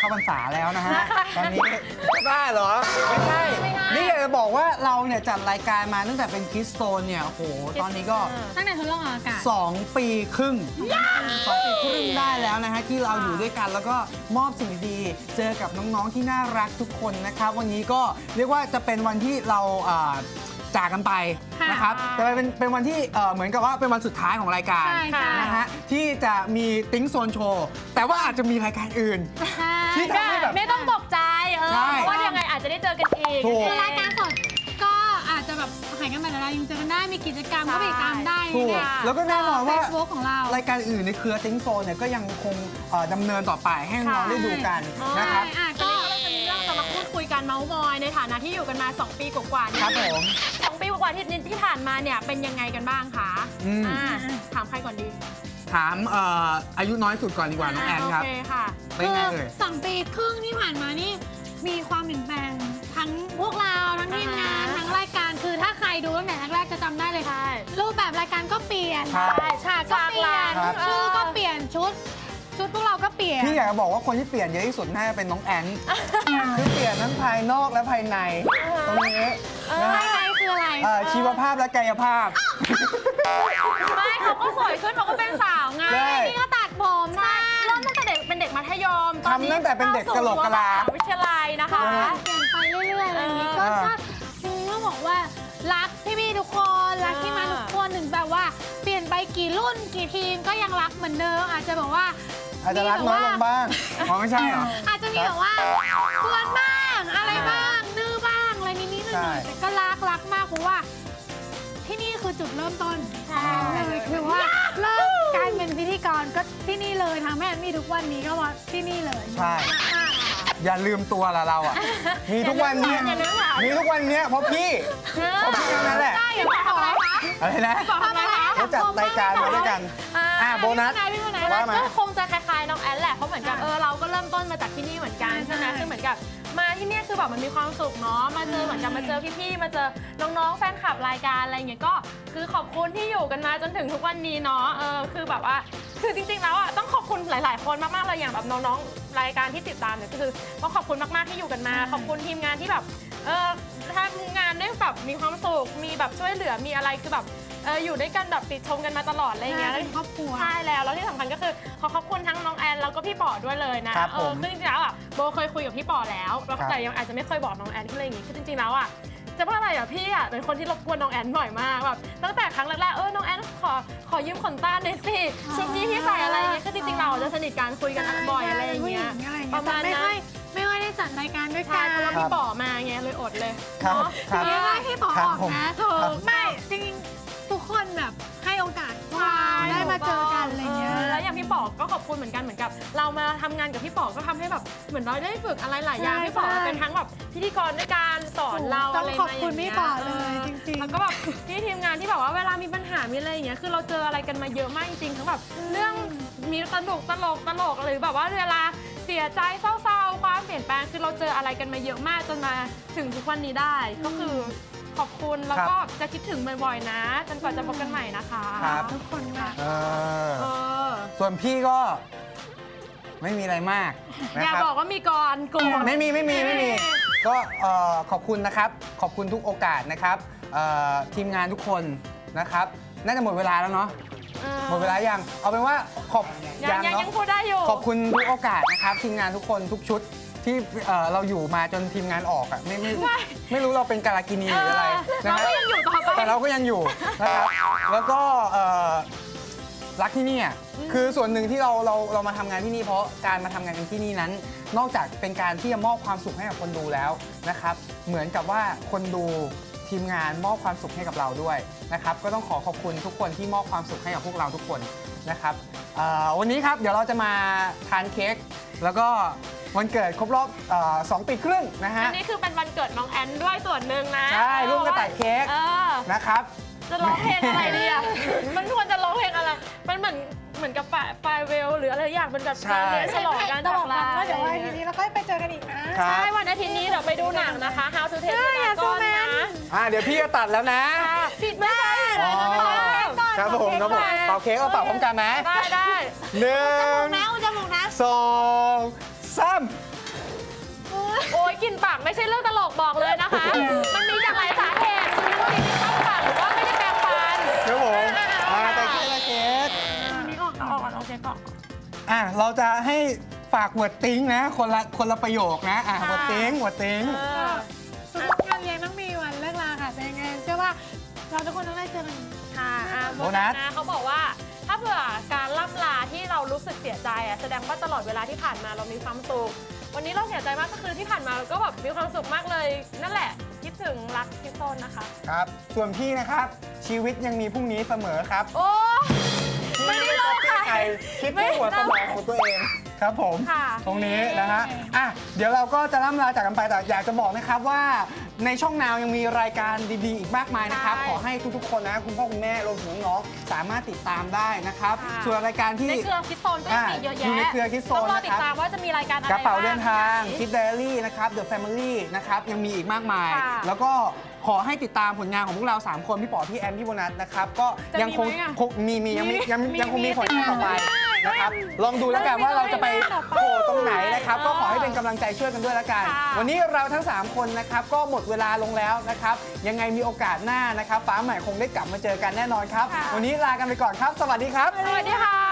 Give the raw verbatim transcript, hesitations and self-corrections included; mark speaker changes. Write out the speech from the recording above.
Speaker 1: เข้าพรรษาแล้วนะฮะตอนนี้บ้าเหรอไม่ใช่นี่อยากจะบอกว่าเราเนี่ยจัดรายการมาตั้งแต่เป็นคิสโตนเนี่ยโอ้โหตอนนี้ก็
Speaker 2: ตั้งแต่ทดลองอากาศ
Speaker 1: สองปีครึ่งสองปีครึ่งได้แล้วนะฮะที่เราอยู่ด้วยกันแล้วก็มอบสิ่งดีๆเจอกับน้องๆที่น่ารักทุกคนนะครับวันนี้ก็เรียกว่าจะเป็นวันที่เราจากกันไปนะครับแต่เป็นเป็นวันที่เหมือนกับว่าเป็นวันสุดท้ายของรายการนะฮะที่จะมีติ้งโซนโชว์แต่ว่าอาจจะมีรายการอื่นที่ทำให้แบบ
Speaker 3: ไม่ต้องตกใจเออเพราะว่ายังไงอาจจะได้เจอกันอีก
Speaker 2: รายการสดก็อาจจะแบบหายกันไปแล้วยังเจอกันได้มีกิจกรรมก็ไปตามได้
Speaker 1: แล้วก็แน่นอนว่า
Speaker 2: Facebook ของเรา
Speaker 1: รายการอื่นในเครือติ้งโซนเนี่ยก็ยังคงดำเนินต่อไปให้น้องได้ดูกันนะครับ
Speaker 3: ก็เราจะมีเรื่องจะมาพูดคุยกันเมาส์มอยในฐานะที่อยู่กันมาสองปีกว่าๆ
Speaker 1: ครับผม
Speaker 3: สองปีกว่าที่ที่ผ่านมาเนี่ยเป็นยังไงกันบ้างคะถามใครก่อนดี
Speaker 1: ถามอายุน้อยสุดก่อนดีกว่าน้องแอนครับ
Speaker 3: โอเคค่ะ
Speaker 1: เป็นไงเอ่ย
Speaker 2: สองปีครึ่งที่ผ่านมานี่มีความเปลี่ยนแปลงทั้งพวกเราทั้งทีมงานทั้งรายการคือถ้าใครดูตั้งแต่แรกๆจะจำได้เลยรูปแบบรายการก็เปลี่ยนฉากก็เปลี่ยนชื่อก็เปลี่ยนชุดชุดพวกเราก็เปลี่ยน
Speaker 1: พี่อยากจะบอกว่าคนที่เปลี่ยนเยอะที่สุดน่าจะเป็นน้องแอนคือเปลี่ยนทั้งภายนอกและภายในตรงนี้
Speaker 2: ภายในคืออะไร
Speaker 1: ชีวภาพและกายภาพ
Speaker 3: ไม่เขาก็สวยขึ้นเขาก็เป็นสาวไง
Speaker 2: นี่ก็ตัดผมนะ
Speaker 3: เริ่มตั้งแต่เด็กเป็นเด็กมัธยม
Speaker 1: ทำตั้งแต่เป็นเด็กกะโหลกกะลา
Speaker 3: วิทยาลัยนะคะ
Speaker 2: เปลี่ยนไปเรื่อยๆอะไรอย่างนี้ก็ถ้าจริงๆต้องบอกว่ารักพี่ๆทุกคนรักที่มาทุกคนถึงแบบว่าเปลี่ยนไปกี่รุ่นกี่ทีมก็ยังรักเหมือนเดิมอาจจะแบบว่า
Speaker 1: อาจจะรักน้อยลงบ้างอ๋อไม่ใช่เหรอ
Speaker 2: อาจจะมีแบบว่ากวนบ้างอะไรบ้างดื้อบ้างอะไรนิดๆหน่อยๆแต่ก็รักรักมากเพราะว่าที่นี่คือจุดเริ่มต้นเลยคือว่าเริ่มการเป็นพิธีกรก็ที่นี่เลยทำให้มีทุกวันนี้ก็ว่าที่นี่เลย
Speaker 1: ใช่อย่าลืมตัวละเราอ่ะมีทุกวันนี้มีทุกวันนี้เพราะพี่เพราะพี่นั่นแหละ
Speaker 2: อย่าบอกอะไรคะ
Speaker 1: อะไรนะเราจัดรายการมาด้วยกันอ่าโบนัส
Speaker 3: ว่ามาก็คงจะคล้ายๆน้องแอนแหละเพราะเหมือนกับเออเราก็เริ่มต้นมาจากที่นี่เหมือนกันใช่ไหมคือเหมือนกับมาที่นี่คือแบบมันมีความสุขเนาะมาเจอเหมือนกับมาเจอพี่ๆมาเจอน้องๆแฟนคลับรายการอะไรอย่างเงี้ยก็คือขอบคุณที่อยู่กันมาจนถึงทุกวันนี้เนาะเออคือแบบว่าคือจริงๆแล้วอ่ะต้องขอบคุณหลายๆคนมากๆเลยอย่างแบบน้องๆรายการที่ติดตามเนี่ยก็คือต้องขอบคุณมากๆที่อยู่กันมาขอบคุณทีมงานที่แบบเออทำงานได้แบบมีความสุขมีแบบช่วยเหลือมีอะไรคือแบบเอออยู่ด้วยกันแบบติดชมกันมาตลอดอะไรอย่างเงี้ย
Speaker 2: ครอบครัว
Speaker 3: ใช่แล้วแล้วที่สำคัญก็คือขอขอบคุณทั้งน้องแอนแล้วก็พี่ป๋อด้วยเลยนะเออคือจริงๆแล้วอ่ะโบเคยคุยกับพี่ป๋อแล้วแต่ยังอาจจะไม่เคยบอกน้องแอนที่อะไรอย่างงี้คือจริงๆแล้วอ่ะจะว่าอะไรอ่ะพี่อ่ะเป็นคนที่รบกวนน้องแอนบ่อยมากแบบตั้งแต่ครั้งแรกๆเออน้องแอนขอขอยืมขนตาหน่อยสิชุดนี้ที่ใส่อะไรอย่างเงี้ยคือจริงๆเราจะสนิทกันคุยกันบ่อยอะไรอย่างเงี้ยประมาณนั้น
Speaker 2: ไม่ค่อยได้จัดรายการด้วยกัน
Speaker 3: เพราะว่าพี่ป๋อมาไงเลยอดเลย
Speaker 1: ครับ
Speaker 2: ไม่ว่าพี่ป๋อออกนะเธอไม่จริงทุกคนแบบให้โอกาสพวกเราได้มาเจอกันอะไรเงี้ย
Speaker 3: แล้วอย่างพี่ป๋อก็ขอบคุณเหมือนกันเหมือนกับเรามาทำงานกับพี่ป๋อก็ทำให้แบบเหมือนเราได้ฝึกอะไรหลายอย่างพี่ป๋อเป็นทั้งแบบพิธีกรด้วยการสอนเราอะไร
Speaker 2: มาอย่างเงี้ยขอบคุณพี่ป๋อเลยจริงๆ
Speaker 3: แล้วก็แบบที่ทีมงานที่แบบว่าเวลามีปัญหามีอะไรอย่างเงี้ยคือเราเจออะไรกันมาเยอะมากจริงๆทั้งแบบเรื่องมีตลกตลกตลกหรือแบบว่าเวลาเสียใจเศร้าๆความเปลี่ยนแปลงคือเราเจออะไรกันมาเยอะมากจนมาถึงทุกวันนี้ได้ก็คือขอบคุณแล้วก็จะคิดถึงบ่อยๆนะจนกว่าจะพบกันใหม่นะคะ
Speaker 2: ทุกคนค่ะ
Speaker 1: ส่วนพี่ก็ไม่มีอะไรมาก
Speaker 3: อย่าบอกว่ามีก่อนกู
Speaker 1: ไม่มีไม่มีไม่มีก็ขอบคุณนะครับขอบคุณทุกโอกาสนะครับทีมงานทุกคนนะครับน่าจะหมดเวลาแล้วเนาะหมดเวลายังเอาเป็นว่าขอบ
Speaker 3: ยังยังพูดได้อยู่
Speaker 1: ขอบคุณทุกโอกาสนะครับทีมงานทุกคนทุกชุดที่เราอยู่มาจนทีมงานออกอ่ะไม่ไม่ไม่รู้เราเป็นการากินีหรืออะไร
Speaker 3: นะเราก็ยังอยู่ต่อไป
Speaker 1: แต่เราก็ยังอยู่นะครับแล้วก็รักที่นี่อ่ะคือส่วนหนึ่งที่เราเราเรามาทำงานที่นี่เพราะการมาทำงานที่นี่นั้นนอกจากเป็นการที่จะมอบความสุขให้กับคนดูแล้วนะครับเหมือนกับว่าคนดูทีมงานมอบความสุขให้กับเราด้วยนะครับก็ต้องขอขอบคุณทุกคนที่มอบความสุขให้กับพวกเราทุกคนนะครับวันนี้ครับเดี๋ยวเราจะมาทานเค้กแล้วก็วันเกิดครบรอบสองปีครึ่งนะฮะ
Speaker 3: อันนี้คือเป็นวันเกิดน้องแอนด้วยส่วนหนึ่งนะ
Speaker 1: ใช่ร่วมกันตัดเค้กนะครับ
Speaker 3: จะร้องเพลงอะไรดีอ่ะมันควรจะร้องเพลงอะไรมันเหมือนเหมือนกับไฟเวลหรืออะไรอย่างเป็นแบบฉลองการจากลา
Speaker 2: เดี๋ยววันอาทิตย์นี้เราค่อยไปเจอกันอีกนะ
Speaker 3: ใช่วันอาทิตย์นี้เดี๋ยวไปดูหนังนะคะ How to Train Your Dragon นะ
Speaker 1: อ่าเดี๋ยวพี่จะตัดแล้วนะ
Speaker 3: ผิดไม่ใช่
Speaker 1: ครับผมครับผมเป่าเค้กเอาเป่าพร้อมกันไหม
Speaker 3: ได้ได้
Speaker 1: หนึ่ง
Speaker 2: จมูกนะจมูกนะ
Speaker 1: สองสาม
Speaker 3: กลิ่นปากไม่ใช่เรื่องตลกบอกเลยนะคะ มันมีจากหลายสาเหตุคือว่าลิ้นเข้าปากหรือว่าไม่ได้แปรงฟัน
Speaker 1: ครับผมอ่าแต่เค้กเค้ก
Speaker 2: อันนี้ออก
Speaker 3: เอาออกก่อนโอเคก่อน
Speaker 1: อ่ะเราจะให้ฝากหัวติ้งนะคนละคนละประโยคนะอ่ะ
Speaker 3: ค่ะ
Speaker 1: หัวติ้งหัวติ้ง
Speaker 3: เออ
Speaker 2: ทุกๆงานเลี้ยงต้องมีวันเลิกลาค่ะแต่ยังไงเชื่อว่าเราทุกคนต้องได้เจอกัน
Speaker 3: ค่ะอ่ะ
Speaker 1: โบนัส
Speaker 3: นะเขาบอกว่าถ้าเผื่อการล่ำลาที่เรารู้สึกเสียใจอ่ะแสดงว่าตลอดเวลาที่ผ่านมาเรามีความสุขวันนี้เราเสียใจมากก็คือที่ผ่านมาเราก็แบบมีความสุขมากเลย นั่นแหละคิดถึงรักคิดโซนนะคะ
Speaker 1: ครับ ส่วนพี่นะครับชีวิตยังมีพรุ่งนี้เสมอครับ
Speaker 3: โอ้ไม่ได้โลกค่ะ
Speaker 1: ใครคิดแค่หัวสมองของตัวเองครับผม
Speaker 3: ค่ะ
Speaker 1: ตรงนี้นะฮะอ่ะเดี๋ยวเราก็จะล่ำลาจากกันไปแต่อยากจะบอกนะครับว่าในช่องนาวยังมีรายการดีๆอีกมากมายนะครับ
Speaker 3: ใช่
Speaker 1: ขอให้ทุกๆคนนะคุณพ่อคุณแม่รวมถึงน้องๆสามารถติดตามได้นะครับ
Speaker 3: ค่ะ
Speaker 1: ส่วนรายการที่
Speaker 3: ในเครือคิดโซนก็ยังมีเยอะแยะ
Speaker 1: อยู่ในเครือคิดโซน
Speaker 3: ต้องรอ
Speaker 1: นะ
Speaker 3: ติ
Speaker 1: ค
Speaker 3: ด
Speaker 1: รับ
Speaker 3: ตามว่าจะมีรายการอะไร
Speaker 1: กระเป๋าเดินทาง
Speaker 3: บ้
Speaker 1: คิดไดอารี่นะครับ The Family นะครับ ยังมีอีกมากมาย
Speaker 3: ค่ะ
Speaker 1: แล้วก็ขอให้ติดตามผลงานของพวกเรา สาม คน พี่ป๋อ พี่แอม พี่โบนัสนะครับ ก็
Speaker 3: จะ
Speaker 1: ยังคง
Speaker 3: มีไหมอะ
Speaker 1: คงมีมียังมียัง
Speaker 3: มี
Speaker 1: ยังคงมี
Speaker 3: มี
Speaker 1: ผลงานต่อไป
Speaker 3: มี
Speaker 1: นะครับ ลองดูแล้วกัน
Speaker 3: มี
Speaker 1: ว่าเราจะไป
Speaker 3: มีต่อไป
Speaker 1: โผล่ตรงไหนนะครับ ก็ขอให้
Speaker 3: เออ
Speaker 1: เป็นกำลังใจช่วยกันด้วยแล้วกัน
Speaker 3: ค่ะ
Speaker 1: วันนี้เราทั้ง สาม คนนะครับ ก็หมดเวลาลงแล้วนะครับ ยังไงมีโอกาสหน้านะครับ ฟ้าใหม่คงได้กลับมาเจอกันแน่นอนครับ วันนี้ลากันไปก่อนครับ สวัสดีครับ
Speaker 3: สวัสดีค่ะ